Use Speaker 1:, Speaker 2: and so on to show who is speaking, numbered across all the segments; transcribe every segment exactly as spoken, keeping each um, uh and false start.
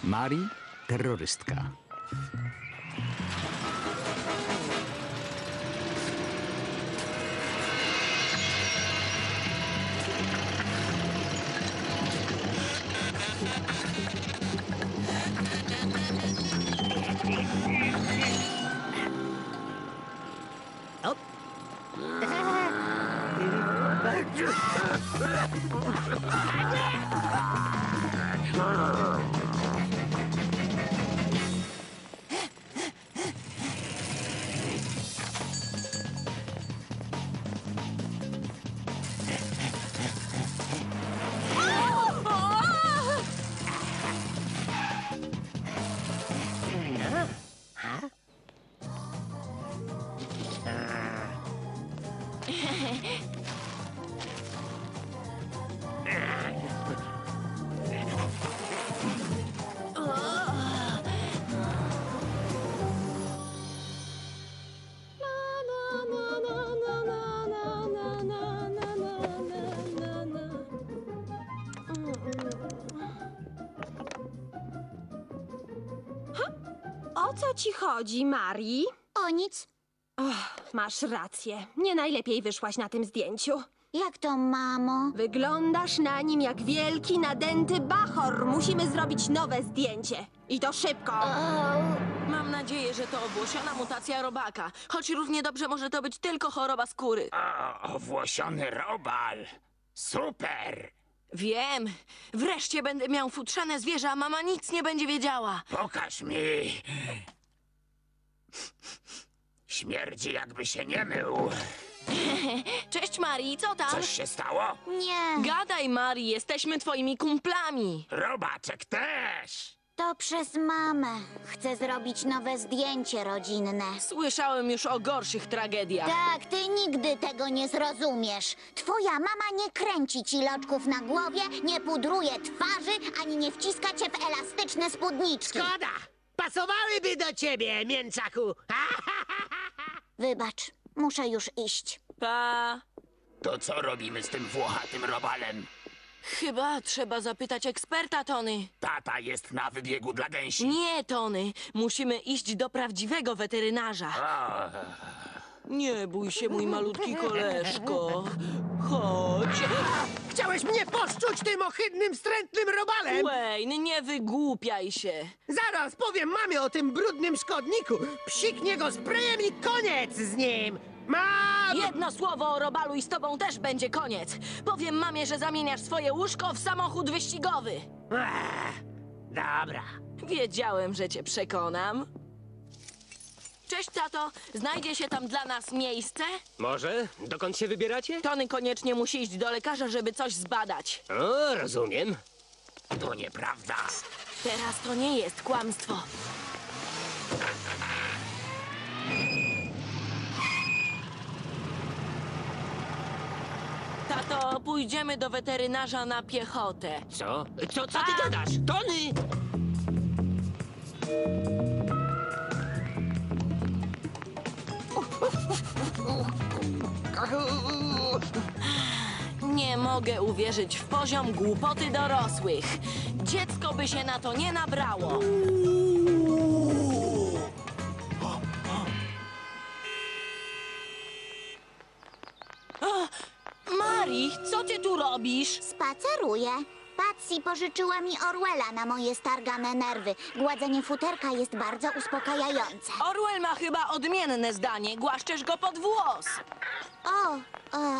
Speaker 1: Mari, terrorystka.
Speaker 2: O co ci chodzi, Mari?
Speaker 3: O nic.
Speaker 2: Och, masz rację. Nie najlepiej wyszłaś na tym zdjęciu.
Speaker 3: Jak to, mamo?
Speaker 2: Wyglądasz na nim jak wielki, nadęty bachor. Musimy zrobić nowe zdjęcie. I to szybko.
Speaker 4: Mam nadzieję, że to owłosiona mutacja robaka. Choć równie dobrze może to być tylko choroba skóry.
Speaker 5: O, owłosiony robal. Super!
Speaker 4: Wiem. Wreszcie będę miał futrzane zwierzę, a mama nic nie będzie wiedziała.
Speaker 5: Pokaż mi. Śmierdzi, jakby się nie mył.
Speaker 4: Cześć, Mari, co tam?
Speaker 5: Coś się stało?
Speaker 3: Nie,
Speaker 4: Gadaj, Mari, jesteśmy twoimi kumplami.
Speaker 5: Robaczek też.
Speaker 3: to przez mamę. Chcę zrobić nowe zdjęcie rodzinne.
Speaker 4: Słyszałem już o gorszych tragediach.
Speaker 3: Tak, ty nigdy tego nie zrozumiesz. Twoja mama nie kręci ci loczków na głowie, nie pudruje twarzy, ani nie wciska cię w elastyczne spódniczki.
Speaker 6: Szkoda! Pasowałyby do ciebie, mięczaku!
Speaker 3: Wybacz, muszę już iść.
Speaker 4: Pa.
Speaker 5: To co robimy z tym włochatym robalem?
Speaker 4: Chyba trzeba zapytać eksperta, Tony.
Speaker 5: Tata jest na wybiegu dla gęsi.
Speaker 4: Nie, Tony. Musimy iść do prawdziwego weterynarza.
Speaker 5: O,
Speaker 4: Nie bój się, mój malutki koleżko. Chodź.
Speaker 6: Chciałeś mnie poszczuć tym ohydnym, wstrętnym robalem!
Speaker 4: Wayne, nie wygłupiaj się.
Speaker 6: Zaraz powiem mamie o tym brudnym szkodniku! Psiknie go sprayem i koniec z nim! Mam!
Speaker 4: Jedno słowo o robalu i z tobą też będzie koniec. Powiem mamie, że zamieniasz swoje łóżko w samochód wyścigowy.
Speaker 6: Ech, dobra.
Speaker 4: Wiedziałem, że cię przekonam. Cześć, tato. Znajdzie się tam dla nas miejsce?
Speaker 7: Może? Dokąd się wybieracie?
Speaker 4: Tony koniecznie musi iść do lekarza, żeby coś zbadać.
Speaker 7: O, rozumiem.
Speaker 5: to nieprawda.
Speaker 4: Teraz to nie jest kłamstwo. Tato, pójdziemy do weterynarza na piechotę.
Speaker 7: Co? Co, co ty gadasz? Tony!
Speaker 4: Nie mogę uwierzyć w poziom głupoty dorosłych. Dziecko by się na to nie nabrało. O, Mari, co ty tu robisz?
Speaker 3: Spaceruję. Patsy pożyczyła mi Orwella na moje stargane nerwy. Gładzenie futerka jest bardzo uspokajające.
Speaker 4: Orwell ma chyba odmienne zdanie. Głaszczesz go pod włos.
Speaker 3: O, e,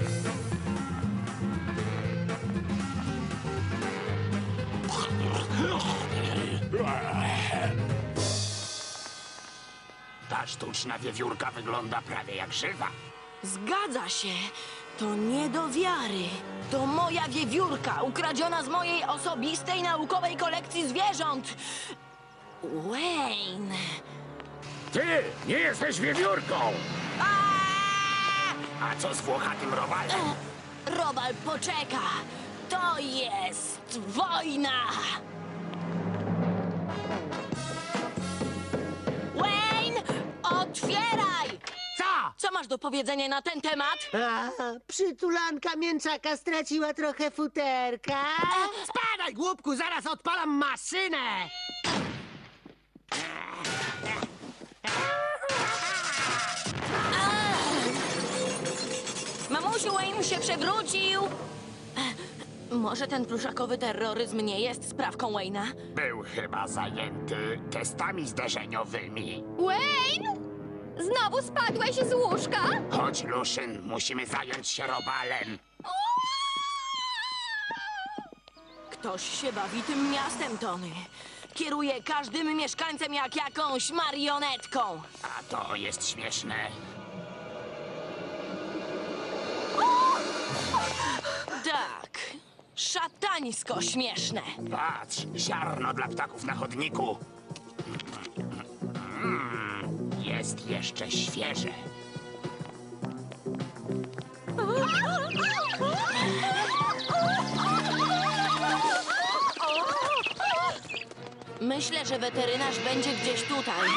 Speaker 5: Ta sztuczna wiewiórka wygląda prawie jak żywa.
Speaker 4: Zgadza się. To nie do wiary. To moja wiewiórka, ukradziona z mojej osobistej naukowej kolekcji zwierząt. Wayne.
Speaker 5: Ty nie jesteś wiewiórką!
Speaker 4: Aaaa!
Speaker 5: A co z włochatym robalem?
Speaker 4: Robal, poczeka. To jest wojna. Wayne, otwieraj!
Speaker 6: Co?
Speaker 4: Co masz do powiedzenia na ten temat?
Speaker 6: A, przytulanka mięczaka straciła trochę futerka.
Speaker 5: Spadaj,
Speaker 6: głupku, zaraz odpalam maszynę!
Speaker 4: Mamusiu, Wayne się przewrócił! Może ten pluszakowy terroryzm nie jest sprawką Wayne'a?
Speaker 5: Był chyba zajęty testami zderzeniowymi.
Speaker 2: Wayne? Znowu spadłeś z łóżka?
Speaker 5: Chodź, Luszyn, musimy zająć się robalem.
Speaker 4: Ktoś się bawi tym miastem, Tony. Kieruje każdym mieszkańcem jak jakąś marionetką.
Speaker 5: A to jest śmieszne.
Speaker 4: Tak, szatańsko śmieszne.
Speaker 5: Patrz, ziarno dla ptaków na chodniku. Mm, jest jeszcze świeże.
Speaker 4: Myślę, że weterynarz będzie gdzieś tutaj.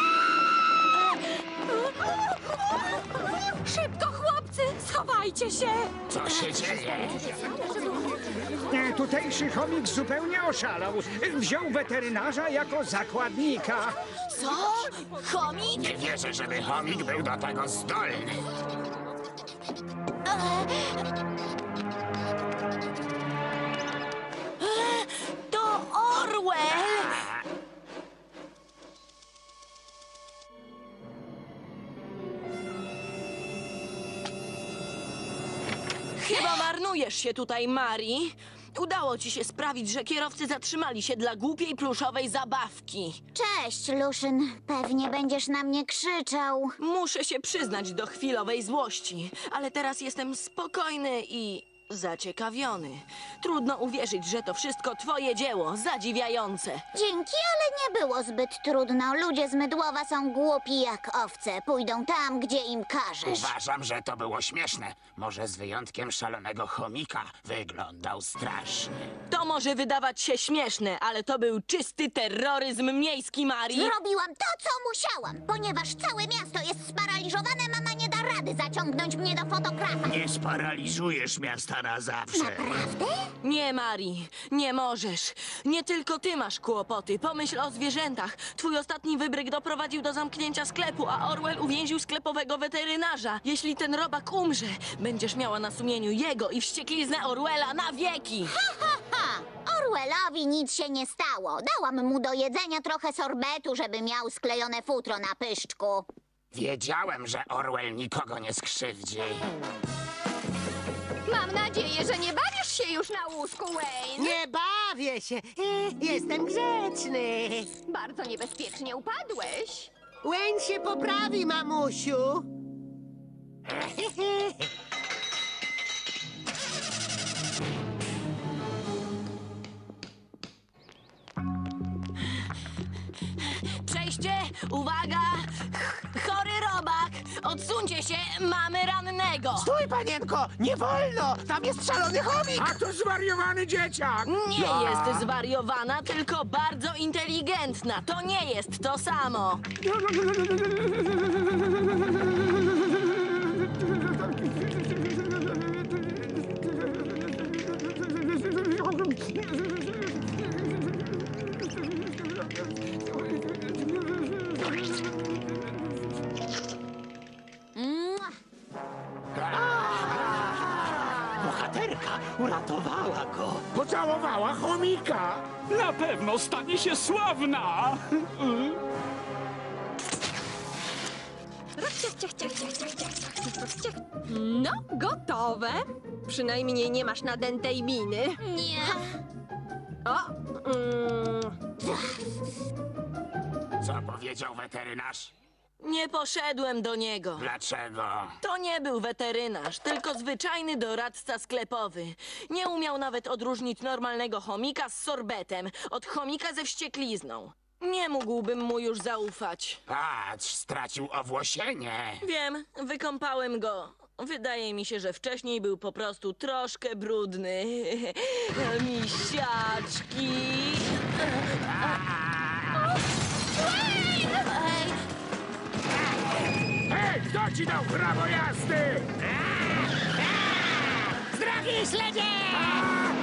Speaker 2: Szybko, chłopcy, schowajcie się!
Speaker 5: Co się dzieje?
Speaker 8: E, Tutejszy chomik zupełnie oszalał. Wziął weterynarza jako zakładnika.
Speaker 4: Co? Chomik?
Speaker 5: Nie wierzę, żeby chomik był do tego zdolny.
Speaker 4: To Orwell! Chyba marnujesz się tutaj, Mari. Udało ci się sprawić, że kierowcy zatrzymali się dla głupiej pluszowej zabawki.
Speaker 3: Cześć, Luszyn. Pewnie będziesz na mnie krzyczał.
Speaker 4: Muszę się przyznać do chwilowej złości, ale teraz jestem spokojny i zaciekawiony. Trudno uwierzyć, że to wszystko twoje dzieło, zadziwiające.
Speaker 3: Dzięki, ale nie było zbyt trudno. Ludzie z Mydłowa są głupi jak owce. Pójdą tam, gdzie im każesz.
Speaker 5: Uważam, że to było śmieszne. Może z wyjątkiem szalonego chomika wyglądał strasznie.
Speaker 4: To może wydawać się śmieszne, ale to był czysty terroryzm miejski, Mari.
Speaker 3: Zrobiłam to, co musiałam. Ponieważ całe miasto jest sparaliżowane, mama nie da rady zaciągnąć mnie do fotografa.
Speaker 5: Nie sparaliżujesz miasta na zawsze.
Speaker 3: Naprawdę?
Speaker 4: Nie, Mari, nie możesz. Nie tylko ty masz kłopoty. Pomyśl o zwierzętach. Twój ostatni wybryk doprowadził do zamknięcia sklepu, a Orwell uwięził sklepowego weterynarza. Jeśli ten robak umrze, będziesz miała na sumieniu jego i wściekliznę Orwella na wieki.
Speaker 3: Ha, ha! Orwellowi nic się nie stało. Dałam mu do jedzenia trochę sorbetu, żeby miał sklejone futro na pyszczku.
Speaker 5: Wiedziałem, że Orwell nikogo nie skrzywdzi.
Speaker 2: Mam nadzieję, że nie bawisz się już na łóżku, Wayne.
Speaker 6: Nie bawię się, e, jestem grzeczny.
Speaker 2: Bardzo niebezpiecznie upadłeś.
Speaker 6: Wayne się poprawi, mamusiu.
Speaker 4: Przejście, uwaga! Chory robak! Odsuńcie się, mamy rannego!
Speaker 6: Stój, panienko, nie wolno, tam jest szalony chomik.
Speaker 8: A to zwariowany dzieciak!
Speaker 4: Nie jest zwariowana, tylko bardzo inteligentna. To nie jest to samo.
Speaker 3: Mua.
Speaker 7: Bohaterka uratowała go.
Speaker 8: Pocałowała chomika!
Speaker 9: Na pewno stanie się sławna!
Speaker 2: No, gotowe. Przynajmniej nie masz nadętej miny.
Speaker 3: Nie.
Speaker 2: O, mm,
Speaker 5: Co powiedział weterynarz?
Speaker 4: Nie poszedłem do niego.
Speaker 5: Dlaczego?
Speaker 4: To nie był weterynarz, tylko zwyczajny doradca sklepowy. Nie umiał nawet odróżnić normalnego chomika z sorbetem od chomika ze wścieklizną. Nie mógłbym mu już zaufać.
Speaker 5: Patrz, stracił owłosienie.
Speaker 4: Wiem, wykąpałem go. Wydaje mi się, że wcześniej był po prostu troszkę brudny. Misiaczki. Ej,
Speaker 8: Hej, kto ci dał prawo jazdy?
Speaker 6: z drogi, śledzie!
Speaker 8: A!